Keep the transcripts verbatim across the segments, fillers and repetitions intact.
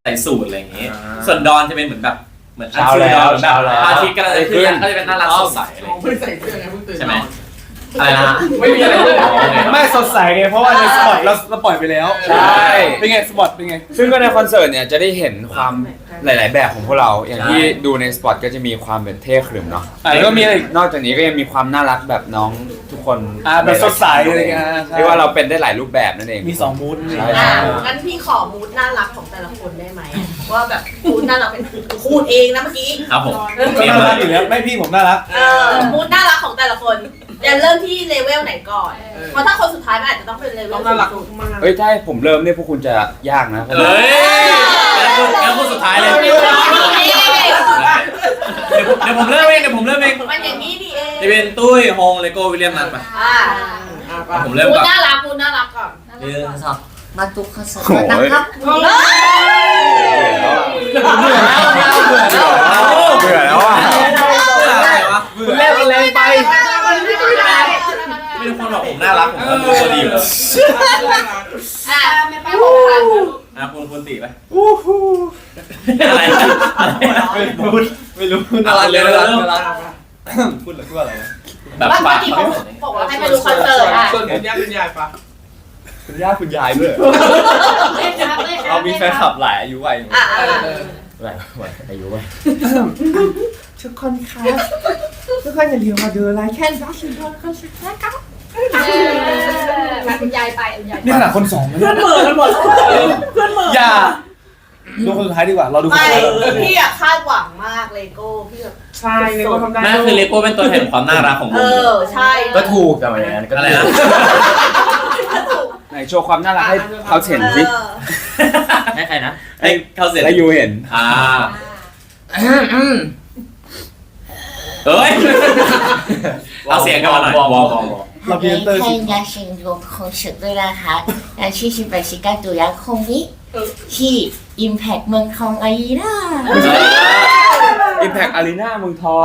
ใส่สูทอะไรอย่างงี้ส่วนดอนจะเป็นเหมือนแบบเหมือนเช้าแล้วเช้าแล้วอาทิตย์กำลังจะขึ้นก็จะเป็นน่ารักสดใสอะไรอย่างไม่งี้ใส่เสื้อไงเพิ่งตื่นใช่ไหมอะไรนะไม่มีอะไรเลยไม่สดใสไงเพราะว่าในสปอตเราเราปล่อยไปแล้วใช่เป็นไงสปอตเป็นไงซึ่งก็ในคอนเสิร์ตเนี่ยจะได้เห็นความหลาย ๆ แบบของพวกเรา อย่างที่ดูในสปอตก็จะมีความเป็นเท่ขรึมเนาะอ่ะแล้วก็มีอะไรอีกนอกจากนี้ก็ยังมีความน่ารักแบบน้องทุกคนอ่าแบบสดใสอะไรเงี้ยเรียกว่าเราเป็นได้หลายรูปแบบนั่นเองมีสองมูดใช่อ่ะงั้นพี่ขอมูดน่ารักของแต่ละคนได้ไหมว่าแบบมูดน่ารักเป็นพูดเองนะเมื่อกี้ครับผมก็น่ารักอยู่แล้วไม่พี่ผมน่ารักเออมูดน่ารักของแต่ละคนจะเริ่มที่เลเวลไหนก่อน เพราะถ้าคนสุดท้ายมันอาจจะต้องเป็นเลเวต้อลงน่ารักมากเอ้ยถ้าให้ผมเริ่มเนี่ยพวกคุณจะยากนะเพราะเฮ้ยแล้วพูดแล้วพูดสุดท้ายเลยเดี๋ยวเดี๋ยวผมเริ่มเองเดี๋ยวผมเริ่มเองมันอย่างนี้นี่เองจะเป็นตุ้ยโฮงเลโก้วิลเลียมนัทไปอ่าผมเริ่มมูดก่อนน่ารักมูดน่ารักก่อนหนึ่งสองมาตุกคอนเสิร์ตโอ้ยนะครับเบื่อแล้วอ่ะอะไรวะคุณแรกมันแรงไปไม่ทุกคนบอกผมน่ารักผมก็รู้ตัวดีอยู่แล้วอ่ะไม่ไปหกพันอ่ะคุณคุณตีไปอู้หูอะไรไม่รู้ไม่รู้น่ารักเลยน่ารักน่ารักพูดหรือพูดอะไรนะแบบว่าปากเมื่อกี้เขาบอกว่าให้ไปดูคอนเสิร์ตอ่ะส่วนคุณย่าคุณยายปะคุณย่าคุณยายด้วยเรามีแฟนคลับหลายอายุวัยอ่ะหลายวัยอายุวัยทุกคนครับทุกคนอย่าลืมมาดูไลค์แค่ดัชชินคอนเสิร์ตนะครับคุณยายไปคุณยายนี่ขนาดคนสองนะเพื่อนเหมือกันหมดเพื่อนเหมืออย่าดูคนสุดท้ายดีกว่าเราดูคนไม่สุดท้ายพี่อะคาดหวังมากเลโก้พี่แบบใช่เลยก็ทำได้นั่นคือเลโก้เป็นตัวแทนความน่ารักของวเอง อใช่ก็ถูกแต่ว่าอย่างนั้นก็อะไรนะไหนโชว์ความน่ารักให้เขาเห็นสิให้ใครนะให้เขาเสร็จและยูเห็นอ่าเฮ้ยเอาเสียงกันมาหน่อยวอลวอลวอลเราเพียนเตอร์看一下新荣คอนเสิร์ตด้วยนะคะและที่สิบแปดสิบเก้าตุลาคมนี้ที่ Impact เมืองทองอารีนาอิมแพคอารีนาเมืองทอง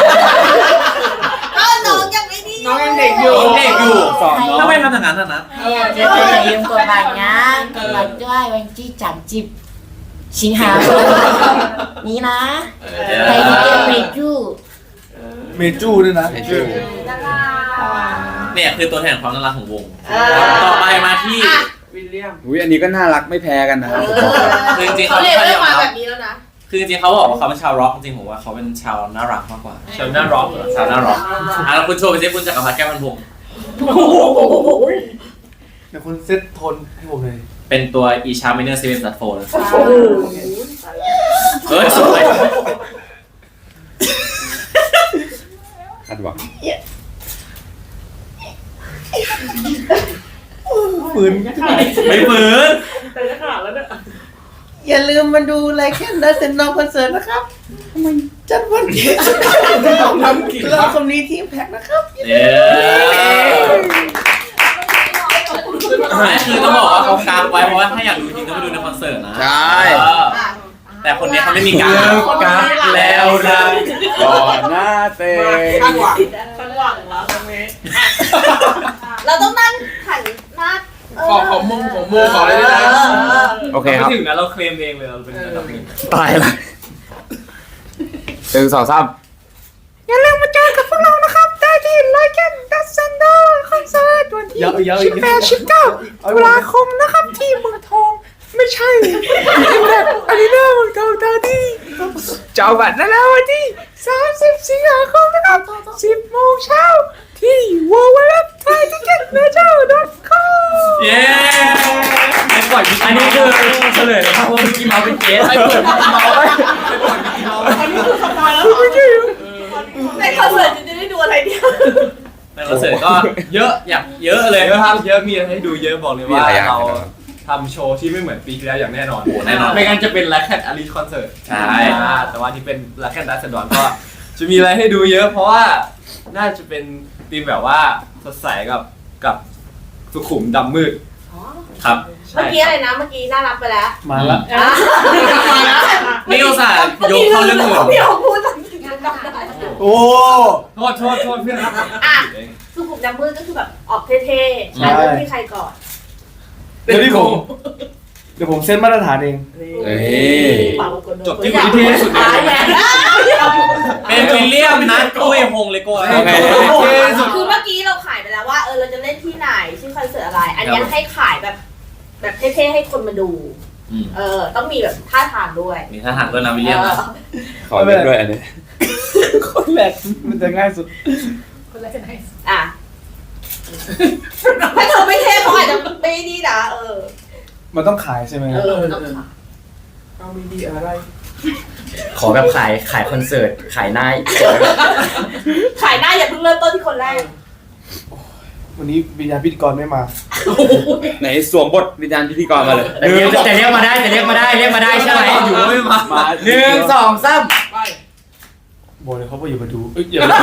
ก็น้องยังไม่ดีน้องยังเด็กอยู่เด็กอยู่สอนน้องทำไมทำอย่างนั้นอ่ะนะเดี๋ยวจะลืมกดบัตรนะกดบัตรด้วยวันที่สามสิบสิงหาคมนี้นะใครที่เป็นเมจูเมจูด้วยนะเนี่ยคือตัวแทนความน่ารักของวงต่อไปมาที่วิลเลียมอุ้ยอันนี้ก็น่ารักไม่แพ้กันนะครับคือจริงๆเขาเขาเรีไม่ยกค่อยยอมเรื่องมารัแบบ บนี้แล้วนะคือจริงๆเขาบอกว่าเขาเป็นชาวร็อกจริงๆผมว่าเขาเป็นชาวน่ารักมากกว่าชาวน่าร็อกชาวน่าร็อกอ่ะแล้วคุณโชว์ไปสิคุณจักรพันธ์แก้วพันพงศ์เดี๋ยวคุณเซตโทนให้ผมเลยเป็นตัวอีชาร์มิเนอร์เซเว่นซัตโฟนเฮ้ยสวยคาดหวังปืนไม่ฝืนแต่จะขาดแล้วเนี่ยอย่าลืมมาดูไลค์แคนดัสเซนนอคอนเสิร์ตนะครับมันจัดวันที่เราคนนี้ทีมแพ็กนะครับเย้ไม่คือต้องบอกว่าเขากางไว้เพราะว่าถ้าอยากดูจริงต้องไปดูในคอนเสิร์ตนะใช่เออแต่คนนี้เขาไม่มีกางกางแล้วนะก่อนหน้าเตงคาดหวังสังหวังแล้วตรงนี้เราต้องนั่งหันหน้าขอขอมุมของมุมขออะไรด้วยนะโอเคครับถึงนะเราเคลมเองเลยเราเป็นอันดับหนึ่งตายละหนึ่งสองสามอย่าลืมมาเจอกับพวกเรานะครับได้ที่ไลค์แคนดัสเซนนอคอนเสิร์ตวันที่เยอะเยอะสิบแปดสิบเก้าตุลาคมนะครับที่เมืองทองไม่ใช่อิมแพคอารีนาเมืองทองตอนนี้เจ้าบัตรได้แล้ววันที่สามสิบสิงหาคมนะครับสิบโมงเช้าที่ ดับเบิลยู ดับเบิลยู ดับเบิลยู ดอท ไทยทิเก็ตเมเจอร์ ดอท คอมเย้อันนี้คือเฉลยนะครับว่าเมื่อกี้เมาเป็นเกสไอ้เปิดเมาไว้อันนี้คือสปอยแล้วในคอนเสิร์ตจะได้ดูอะไรเนี่ยในคอนเสิร์ตก็เยอะอยากเยอะเลยเยอะครับเยอะมีอะไรให้ดูเยอะบอกเลยมีว่าอะไรอย่างเรากันนะครับทำโชว์ที่ไม่เหมือนปีที่แล้วอย่างแน่นอนโอ้แน่นอนไม่งั้นจะเป็นแลคแคนอารีคอนเสิร์ตใช่แต่ว่าที่เป็นแลคแคนดัสเซนดอนก็จะมีอะไรให้ดูเยอะ เพราะว่าน่าจะเป็นธีมแบบว่าสดใสกับกับสุขุมดำมืดครับเมื่อกี้อะไรนะ เมื่อกี้น่ารักไปแล้วมาละอ่ะมาแล้วนี่อุตส่าห์ยกเข้าเรื่องอื่นพี่ผมพูดจริงๆจำได้โอ้โทษโทษโทษเพื่อนครับอ่ะสุขุมดำมืดก็คือแบบออกเท่ๆใช่เริ่มที่ใครก่อนเดี๋ยวที่ผมเดี๋ยวผมเซตมาตรฐานเองเอ้ยจบที่คนที่เท่ที่สุดในเป็นวิลเลียมนะกล้วยฮงเลโก้โอเคคือเมื่อกี้เราขายไปแล้วว่าเออเราจะเล่นที่ไหนชื่อคอนเสิร์ตอะไร อันนี้ให้ขายแบบแบบเท่ๆให้คนมาดู เออต้องมีแบบท่าทางด้วยมีทหารด้วยนะวิลเลียมนะขอเล่นด้วยอันนี้คนแรกมันจะง่ายสุดอ่ะถ้าเธอไม่เท่เขาอาจจะไม่นี่นะเออมันต้องขายใช่ไหมเออต้องขายเอามีดีอะไรขอแบบขายขายคอนเสิร์ตขายหน้าขายหน้าอย่าเพิ่งเริ่มต้นที่คนแรกวันนี้วิญญาณพิธีกรไม่มาไหนสวมบทวิญญาณพิธีกรมาเลยแต่เรียกแต่เรียกมาได้แต่เรียกมาได้เรียกมาได้ใช่ไหมอยู่ไม่มามาหนึ่งสองสามบอกเลยเขาบอกอย่ามาดูเอ้ยอย่ามา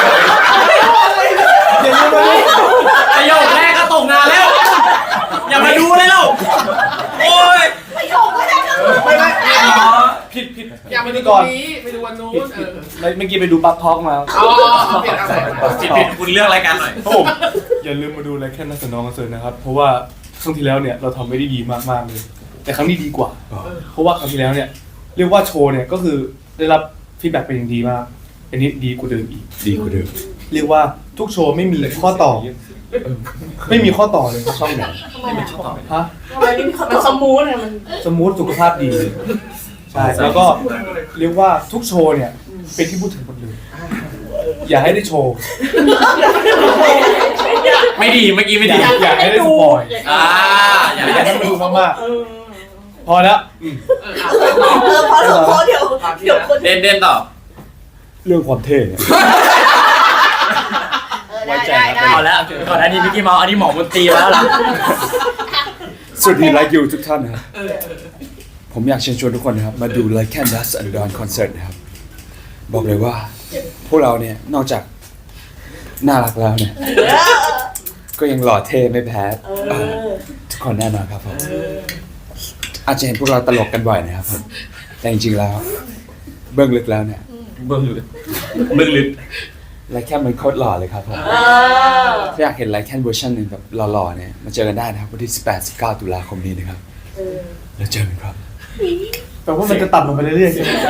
อย่ามาดูประโยคแรกก็ตกงานแล้ว อย่ามาดูเลยเราโอ้ยประโยคก็ได้ก็ไม่ไม่ผิดผิดอย่าพิธีกรไปดูวันนู้นเออเมื่อกี้ไปดูบัคท็อกมาอ๋อเปลี่ยนอะไรผิดผิดคุณเลือกรายการหน่อยครับผมอย่าลืมมาดูไลค์แค่นักสนองคอนเสิร์ตนะครับ เพราะว่าครั้งที่แล้วเนี่ยเราทำไม่ได้ดีมากๆเลย แต่ครั้งนี้ดีกว่า เพราะว่าครั้งที่แล้วเนี่ยเรียกว่าโชว์เนี่ยก็คือได้รับฟีดแบ็กเป็นอย่างดีมาก อันนี้ดีกว่าเดิมอีกดีกว่าเดิมเรียกว่าทุกโชว์ไม่มีข้อต่อ ไม่มีข้อต่อเลยช่องไหนทำไมอ่ะฮะทำไมไม่มีคนมันสมูทอะมันสมูทสุขภาพดีใช่แล้วก็เรียกว่าทุกโชว์เนี่ยเป็นที่พูดถึงหมดเลยอย่าให้ได้โชว์ไม่ดีเมื่อกี้ไม่ดีอยากให้ได้สปอยอ่าอย่าไม่อยากให้มันดูมากๆพอแล้วอืมเออพอสมควรเดี๋ยวเดี๋ยวคนเด่นเด่นต่อเรื่องความเท่เนี่ยเออได้ได้ได้เอาแล้วก่อนอันนี้มิกกี้เมาส์อันนี้หมอมนตรีแล้วล่ะสวัสดีไลค์ยูทุกท่านนะครับผมอยากเชิญชวนทุกคนนะครับมาดูไลค์แคนดัสอันดอนคอนเสิร์ตนะครับบอกเลยว่า พวกเราเนี่ยนอกจากน่ารักแล้วเนี่ยก็ยังหล่อเท่ไม่แพ้เอ่อทุกคนแน่นอนครับผมอาจจะเห็นพวกเราตลกกันบ่อยนะครับผมแต่จริงๆแล้ว เบื้องลึกแล้วเนี่ยเบื้องลึกเบื้องลึกไลค์แคนมันโคตรหล่อเลยครับผมเออถ้าอยากเห็นไลค์แคนเวอร์ชันหนึ่งแบบหล่อๆเนี่ยมาเจอกันได้นะครับวันที่สิบแปด สิบเก้าตุลาคมนี้นะครับแล้วเจอกันครับแปลว่ามันจะต่ำลงไปเรื่อยๆใช่ไหม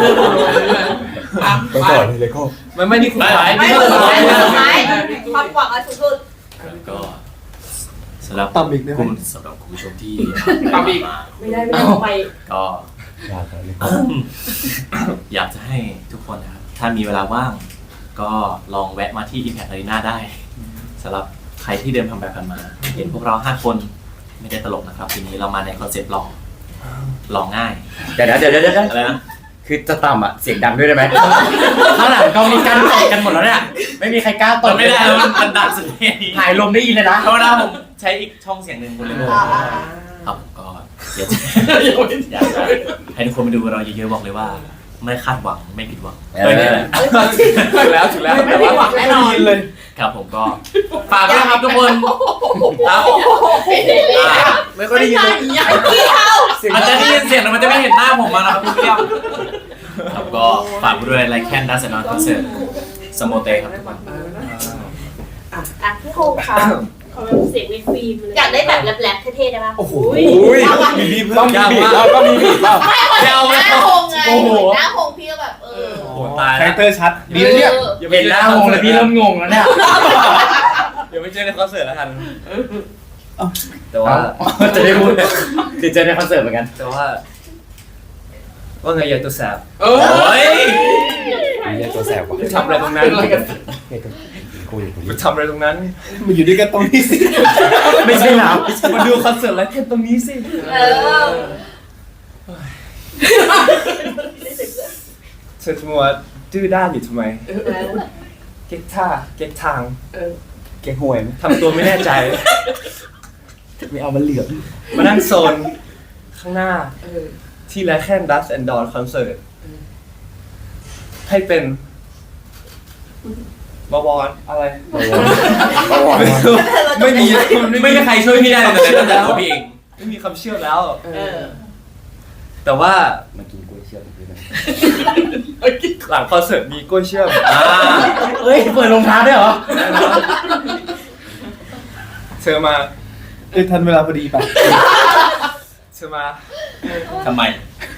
ไปต่อเลยเลยก็ไม่ไม่นี่คุณท้ายไม่นี่สุคุดณท้าท้าย ยสุดท้ายความหวังอันสูงสุดก็สำหรับต่ำอีกได้ไหมคุณสำหรับคุณผู้ชมที่ตามอีกไม่ได้ไม่ได้ไปก็อยากเลยอยากจะให้ทุกคนนะครับ ถ้ามีเวลาว่าง ก็ลองแวะมาที่ Impact Arena ได้สำหรับใครที่เดินผ่านไปผ่านมา เห็นพวกเราห้าคนไม่ได้ตลกนะครับ ทีนี้เรามาในคอนเซ็ปต์ลองลองง่ายเดี๋ยวนะเดี๋ยวเดี๋ยวเดี๋ยวอะไรนะคือจะต่ำอ่ะเสียงดังด้วยได้ไหมข้างหลังก็มีการตดกันหมดแล้วเนี่ยไม่มีใครกล้าตมัดนไม่ได้แล้วมันมันดังสุดที่นี้ถ่ายลมได้ยินเลยนะเพราะว่าผมใช้อีกช่องเสียงหนึ่งคุณเลยอ่าครับผมก็อยากจะอยากจะให้ทุกคนมาดูเราเยอะๆบอกเลยว่า ไม่คาดหวังไม่ผิดหวังเออเออนี่แหละถูกแล้วถูกแล้วไม่แต่ได้ว่าหวังแน่นอนเลยครับผมก็ฝากด้วยนะครับทุกคนครับอ่าไม่ค่อยได้ยินเลยพี่เขามันจะได้ยินเสียงแต่มันจะไม่เห็นหน้าผมมานะครับคุณเรียบครับก็ฝากด้วยไลค์แคนดัสนอนคอนเสิร์ตสโมเตครับทุกคนอ่ะพี่โฮมค่ะเสียงวีฟีมอยากได้แบบแรปๆเท่ๆได้ปะโอ้โหอุ้ยมีบีบต้องเพิ่มมีบีบแล้วก็มีบีบแล้วไม่คนหน้าโฮงไงโอ้โหหน้าโฮงพี่ก็แบบเออโอ้โหตายคาแล้วแรคเตอร์ชัดดีนะเนี่ยเห็นหน้างงเลยพี่เริ่มงงแล้วเนี่ยเดี๋ยวไปเจอในคอนเสิร์ตแล้วกัน แต่ว่าว่าจะได้พูดคือเจอในคอนเสิร์ตเหมือนกันแต่ว่า ว่าไงยายตัวแสบเออโอ้ยนี่ตัวแสบว่ะไปทำอะไรตรงนั้นเป็นอะไรกันคุยคุยไปทำอะไรตรงนั้นมาอยู่ด้วยกันตรงนี้สิไม่ใช่หนาวมาดูคอนเสิร์ตไลฟ์แค่ตรงนี้สิเออเธอจะมัวดื้อด้านอยู่ทำไม เก๊กท่า เก๊กทางเก๊กหวยไหมทำตัวไม่แน่ใจไม่เอามันเหลือบมานั่งโซนข้างหน้า ที่ไลฟ์แค่ดัสแอนด์ดอนคอนเสิร์ตให้เป็นบวรอะไร ไม่มีมันไม่ไม่มีมีใครช่วยพี่ได้เลยตั้งแต่ตัวพี่เองไม่มีคำเชื่อแล้วเออแต่ว่ามากินกล้วยเชื่อมด้วยนะหลังคอนเสิร์ตมีกล้วยเชื่อมอ่าเฮ้ยเปิดรองเท้าด้วยเหรอเธอมาเอ้ยทันเวลาพอดีป่ะเธใช่ไหมทำไม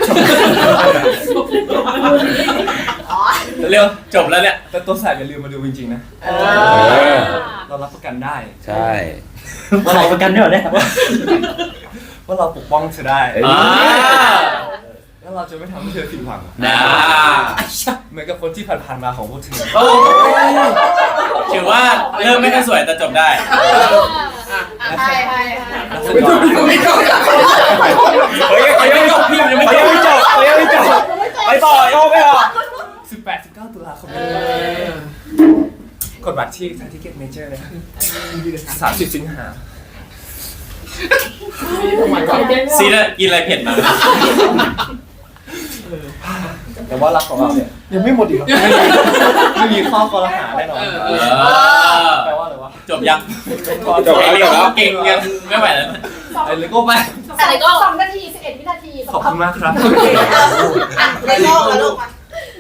อ๋อเร็วจบแล้วเนี่ยแต่ตัวแสบอย่าลืมมาดูจริงๆนะเออเรารับประกันได้ใช่ว่าเราประกันด้วยเหรอเนี่ยว่าเราปกป้องเธอได้เอ้ยอ่าแล้วเราจะไม่ทำให้เธอผิดหวังนะเหมือนกับคนที่ผ่านๆมาของพวกเธอโอ้ถือว่าเริ่มไม่ค่อยสวยแต่จบได้ใช่ใช่ใช่ไม่จบไม่จบเฮ้ยเขายังไม่จบพี่มันยังไม่จบไม่จบไม่จบไปต่อโยกไปต่อสิบแปด สิบเก้าตุลาคมนี้กดบัตรที่ทางทิเก็ตเมเจอร์เลยครับสามสิบสิงหาซีน่ะกินอะไรเผ็ดมาแต่ว่ารักของเราเนี่ยยังไม่หมดอีกเหรอไม่มีข้อกรหาแน่นอนเออแปลว่าอะไรวะจบยังจบแล้วจบแล้วเก่งยังไม่ไหวแล้วไอ้เลโก้ไปอะไรก็สองนาทีสิบเอ็ดวินาทีขอบคุณมากครับอะไรก็มาลูกมา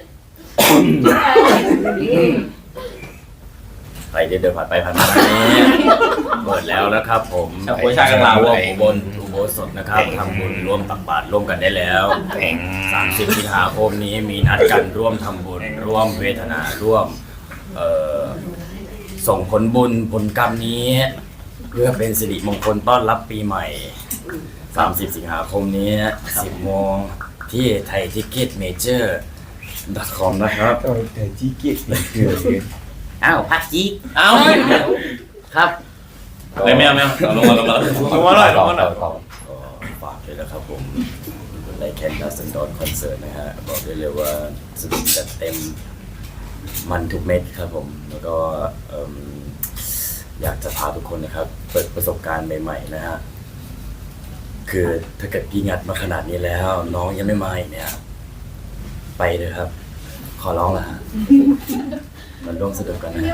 ใครที่เดินผ่านไปผ่านมานี้เปิดแล้วนะครับผมชาวโพชากันลาวร่วมอุบลอุโบสถนะครับทำบุญร่วมตักบาตรร่วมกันได้แล้วสามสิบสิงหาคมนี้มีนัดกันร่วมทำบุญร่วมเวทนาร่วมเอ่อส่งผลบุญผลกรรมนี้ เพื่อเป็นสิริมงคลต้อนรับปีใหม่สามสิบสิงหาคมนี้สิบโมงที่ไทยทิกเก็ตเมเจอร์ .com นะครับเออแต่จี้เกียจเลยคืออ้าวพักจีเอ้าครับไม่ไม่เอาไม่เอาเอาลงมาลงมาลงมาหน่อยลงมาหน่อยก็ฝากเลยนะครับผมในแคนดัสซันดอนคอนเสิร์ตนะฮะบอกได้เลยว่าสนุกจัดเต็มมันทุกเม็ดครับผม แล้วก็เอิ่มอยากจะพาทุกคนนะครับ เปิดประสบการณ์ใหม่ๆนะฮะคือถ้าเกิดพี่งัดมาขนาดนี้แล้ว น้องยังไม่มาอีกเนี่ย ไปเลยครับ ขอร้องละฮะมันร่วมสนุกกันนะฮะ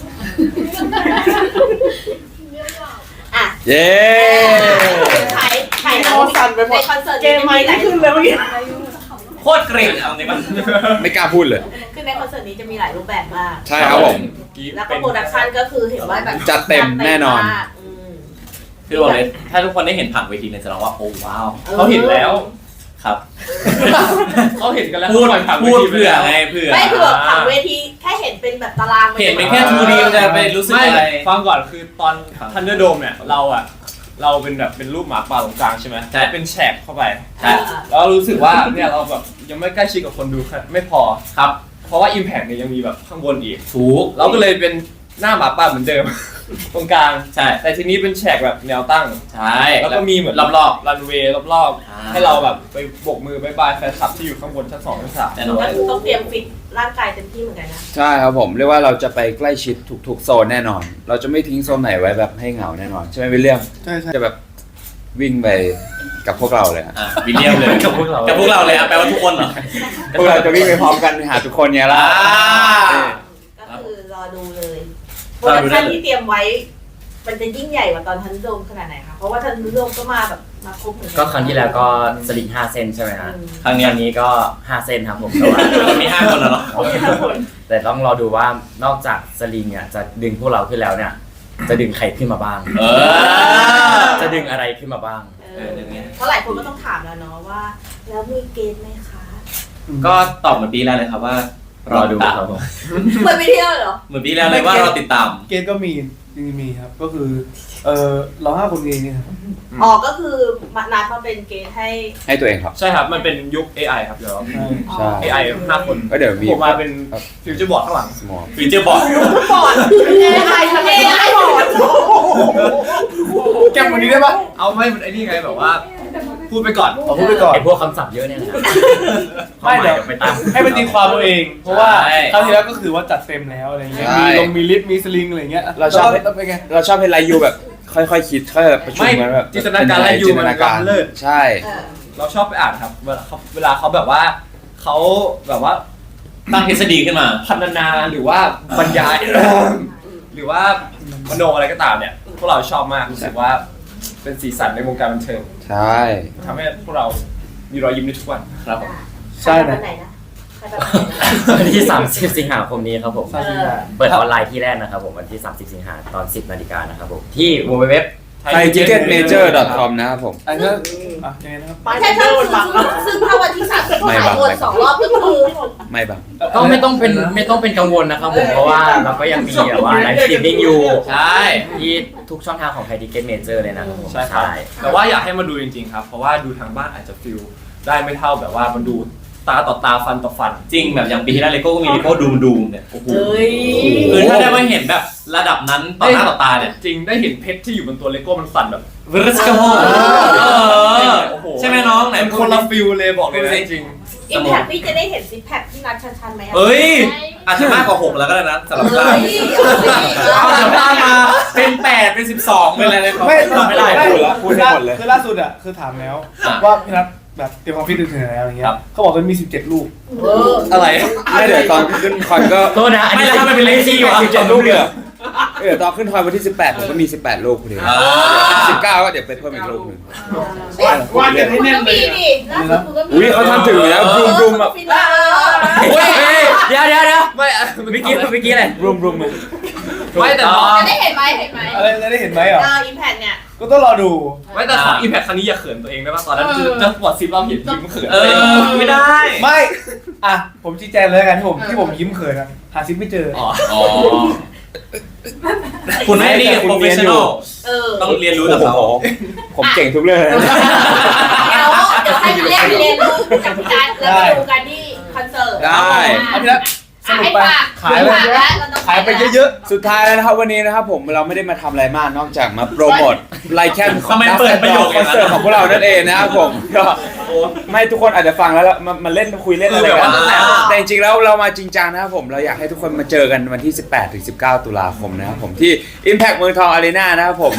อ่ะเย้ใครใครในคอนเสิร์ตเกมไม่ได้ขึ้นเลยเมื่อกี้โคตรเกรงเอาจริงป่ะไม่กล้าพูดเลยคือในคอนเสิร์ตนี้จะมีหลายรูปแบบมากใช่ครับผมแล้วก็โปรดักชันก็คือเห็นว่าแบบจัดเต็มแน่นอนมากอืมคือบอกเลยถ้าทุกคนได้เห็นผ่านเวทีเนี่ยจะร้องว่าโอ้ว้าวเขาเห็นแล้วครับเขาเห็นกันแล้วพูดเขาปล่อยผ่านพูดวทีไปเผื่อแล้วไงเผื่อไม่คือแบบผ่านเวทีแค่เห็นเป็นแบบตารางเห็นเป็นแค่ ทู ดี มันจะไปรู้สึกไม่อะไรฟังก่อนคือตอนครับทันเดอร์โดมเนี่ยเราอะเราเป็นแบบเป็นรูปหมาป่าตรงกลางใช่ไหมใช่เป็นแฉกเข้าไปใช่แล้วเรารู้สึกว่าเนี่ยเราแบบยังไม่ใกล้ชิดกับคนดูครับไม่พอครับเพราะว่า Impact เนี่ยยังมีแบบข้างบนอีกถูกเราก็เลยเป็นหน้าหมาป่าเหมือนเดิม ตรงกลางใช่แต่ทีนี้เป็นแฉกแบบแนวตั้งใช่แล้วก็มีเหมือนรอบรอบรันเวย์รอบอ่าๆให้เราแบบไปโบกมือบายบายแฟนคลับที่อยู่ข้างบนชั้นสองชั้นสามแน่นอนก็ต้องเตรียมฟิตร่างกายเต็มที่เหมือนกันนะใช่ครับผมเรียกว่าเราจะไปใกล้ชิดทุกๆโซนแน่นอน เราจะไม่ทิ้งโซนไหนไว้แบบให้เหงาแน่นอนใช่ไหมวิลเลียมใช่ใช่จะแบบวิ่งไปกับพวกเราเลยฮะอ่ะวิลเลียมเลยกับพวกเรากับพวกเราเลยอ่ะแปลว่าทุกคนเหรอพวกเราจะวิ่งไปพร้อมกันหาทุกคนเนี้ยละอ่าก็คือรอดูเลยโปรดักชันที่เตรียมไว้ มันจะยิ่งใหญ่กว่าตอนทันโดมขนาดไหนคะเพราะว่าทันโดมก็มาแบบมาครบเหมือนกัก็ครั้งที่แล้วก็สลิงห้าเส้นใช่ไหมฮะอืมครั้งเนี้ยอันนี้ก็ห้าเส้นครับผมแต่ว่ามันมีห้าคนแล้วเนาะแต่ต้องรอดูว่านอกจากสลิงอ่ะจะดึงพวกเราขึ้นแล้วเนี่ย จะดึงใครขึ้นมาบ้างเออจะดึงอะไรขึ้นมาบ้างเออเพราะหลายคนก็ต้องถามแล้วเนาะว่า แล้วมีเกณฑ์ไหมคะก็ตอบเหมือนปีแรกเลยครับว่ารออดูดูครับผมเหมือนไปเที่ยวเลยเหรอเหมือนปีแรกเลยว่ารอติดตามเกณฑ์ก็มีจริงๆมีครับ ก็คือเออเราห้าคนเองเนี่ยครับอ๋อก็คือมานัดมาเป็นเกณฑ์ให้ให้ตัวเองครับใช่ครับมันเป็นยุค เอ ไอ ครับเดี๋ยวใช่ใช่เอ ไอ ห้าคนก็เดี๋ยวมีผมมาเป็นฟิวเจอร์บอร์ดข้างหลัง small ฟีเจอร์บอร์ดบอร์ดเอไอทะเลไอ บอร์ดแกมวันนี้ได้ปะเอาไม่ไอ้นี่ไงแบบว่า พูดไปก่อนขอพูดไปก่อนไอพวกคำศัพท์เยอะเนี่ยนะไม่เดี๋ยวไปตามให้มันตีความตัวเอง เพราะว่าใช่คราวที่แล้วก็คือว่าจัดเต็มแล้วอะไรเงี้ยใช่มีลงมีลิฟต์มีสลิงอะไรเงี้ยเราชอบแล้วเป็นไงเราชอบให้ไลยูแบบ ค่อยๆคิดค่อยๆประชุมกันแบบไม่จินตนาการไลยูจินตนาการมันล้ำเลิศใช่เออเราชอบไปอ่านครับ เวลาเขาเวลาเขาแบบว่าเขาแบบว่าตั้งทฤษฎีขึ้นมาพันนาหรือว่าบรรยาย หรือว่ามโนอะไรก็ตามเนี่ย พวกเราชอบมากรู้สึกว่าเป็นสีสันในวงการบันเทิงใช่ทำให้พวกเรามีรอยยิ้มในทุกวันครับผมใช่นะใครแบบไหนนะใครแบบไหนนะวันที่สามสิบสิงหาคมนี้ครับผมเออเปิดออนไลน์ที่แรกนะครับผมวันที่สามสิบสิงหาตอนสิบนาฬิกานะครับผมที่ ดับเบิลยู ดับเบิลยู ดับเบิลยูไทยทิกเก็ตเมเจอร์ .com นะครับผมอันนี้อ่ะยังไงนะครับไม่ใช่ถ้าซึ่งซึ่งถ้าวันที่สามสิบขายหมดสองรอบก็คือไม่บังก็ไม่ต้องเป็นไม่ต้องเป็นกังวลนะครับผมเพราะว่าเราก็ยังมีแบบว่าไลฟ์สตรีมมิ่งอยู่ใช่ที่ทุกช่องทางของไทยทิเก็ตเมเจอร์เลยนะครับผมใช่ครับแต่ว่าอยากให้มาดูจริงๆครับ เพราะว่าดูทางบ้านอาจจะฟิลได้ไม่เท่าแบบว่ามันดูตาต่อตาฟันต่อฟันจริงแบบอย่างปีที่แล้วเลโก้ก็มีเลโก้ดูมดูมเนี่ยโอ้โหเฮ้ยคือถ้าได้มาเห็นแบบระดับนั้นต่อหน้าต่อตาเนี่ยจริงได้เห็นเพชรที่อยู่บนตัวเลโก้มันสั่นแบบวิริสกโฮใช่ไหมน้องไหนมันคนละฟิลเลยบอกเลยนะจริงอิมแพคพี่จะได้เห็นซิกแพคที่นัดชันๆไหมเฮ้ยอาจจะมากกว่าหกแล้วก็ได้นะสำหรับเฮ้ตายเอาสิเอาเดี๋ยวตามมาเป็นแปดเป็นสิบสองเป็นอะไรเลยไม่ทำไม่ได้ไม่พูดแล้วพูดให้หมดเลยคือล่าสุดอ่ะคือถามแล้วอ่ะว่าพี่นัทแบบเตรียมความฟิตถึงไหนแล้วอย่างเงี้ครัยบเขาบอกว่ามีสิบเจ็ดลูกเอออะไรไม่เดี๋ยวตอนขึ้นคอนก็โทษนะอันไม่นี้แล้วทำไมเป็นเลซี่วะสิบเจ็ดลูกเลยเหรอเดี๋ยวตอนขึ้นคอนวันที่สิบแปดผมก็มีสิบแปดลูกพอดีอ่าสิบเก้าก็เดี๋ยวไปเพิ่มอีกลูกหนึ่งว่ากันให้แน่นก็เลมียดิล่าสุดกูก็มีอุ้ยเขาทำถึงอยู่แล้วรุมรุมแบบฟินแลนด์เฮ้ยเดี๋ยวเดี๋ยวเดี๋ยวไม่อะเมื่อกี้เมื่อกี้อะไรรุมรุมเลยไม่แต่น้องจะได้เห็นไหมเห็นไหมอะไรจะได้เห็นไหมอ่ะเอออิมแพคเนี่ยก็ต้องรอดูไม่แต่ของอิมแพคครั้งนี้อย่าเขินตัวเองได้ป่ะตอนนั้นจะจะปวดซิปเราเห็นยิ้มเขินเออไม่ได้ไม่อ่ะผมชี้แจงเลยแล้วกันที่ผมที่ผมยิ้มเขินอะหาซิปไม่เจออ๋ออ๋อคุณไม่ดีโปรเฟชชั่นอลเออต้องเรียนรู้โอ้จากโหเขาผมเก่งทุกเรื่องเลยนะเดี๋ยวเดี๋ยวให้เรียนเรียนรู้จากพี่การแล้วไปดูกันที่คอนเสิร์ตได้เอาพี่นัทสรุปไปขายขายไปแล้วเราต้องขายไปเยอะสุดท้ายแล้วนะครับวันนี้นะครับผมเราไม่ได้มาทำอะไรมากนอกจากมาโปรโมทไลแคนของทำไมเปิดประโยคคอนเสิร์ตของพวกเรานั่นเองนะครับผมก็ไม่ทุกคนอาจจะฟังแล้วมันมันเล่นคุยเล่นอะไรกันแต่จริงๆแล้วเรามาจริงจังนะครับผมเราอยากให้ทุกคนมาเจอกันวันที่สิบแปดถึงสิบเก้าตุลาคมนะครับผมที่ Impact เมืองทองอารีนานะครับผม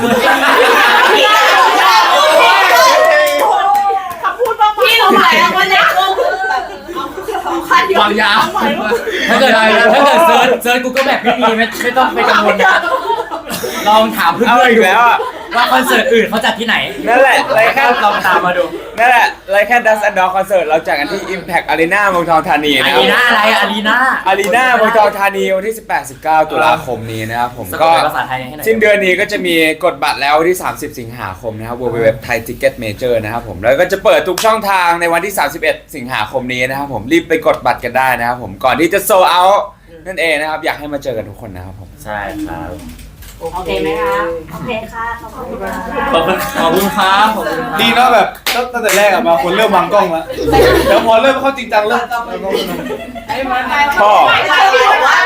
พี่เราขายแล้ววันนี้ก็คือแบบเอาคันเดียววางยาถ้าเกิดถ้าเกิดเซิร์ชเซิร์ชกูก็แบบไม่มีไม่ไม่ต้องไปกังวลนะลองถามเพื่เอาอนอีๆกดูแล้วอ่ะว่าคอนเสิร์ตอื่นเขาจัดที่ไหนนั่นแหละไลแคนลองตามมาดูนั่นแหละไลแคนดัสแอนด์ดอคอนเสิร์ตเราจัดกันที่ Impact Arena เมืองทองธานีอานะครีรับนาอะไรอารีนาอารีนาเมืองทองธานีวันที่ สิบแปด สิบเก้า ตุลาคมนี้นะครับผมสะกก็ดเป็นภาษาไทยให้หน่อยสิ้นเดือนนี้ก็จะมีกดบัตรแล้ววันที่ สามสิบ สิงหาคมนะครับ ดับเบิลยู ดับเบิลยู ดับเบิลยู ดอท ไทย ทิกเก็ต เมเจอร์ นะครับผมแล้วก็จะเปิดทุกช่องทางในวันที่ สามสิบเอ็ด สิงหาคมนี้นะครับผมรีบไปกดบัตรกันได้นะครับผมก่อนที่จะโซลเอาท์นั่นเองนะครับอยากให้มาเจอกันทุกคนนะครับผมใช่ครับโอเคไหมคะโอเคค่ะขอบคุณค่ะขอบคุณขอบคุณครับขอบคุณๆ ดีเนาะแบบตั้งแต่แรกอะมาคนเริ่มวางกล้องแล้วเดี๋ยวพอเริ่มเข้าจริงจังเริ่มพ่อไม่ไม่พี่บอกว่า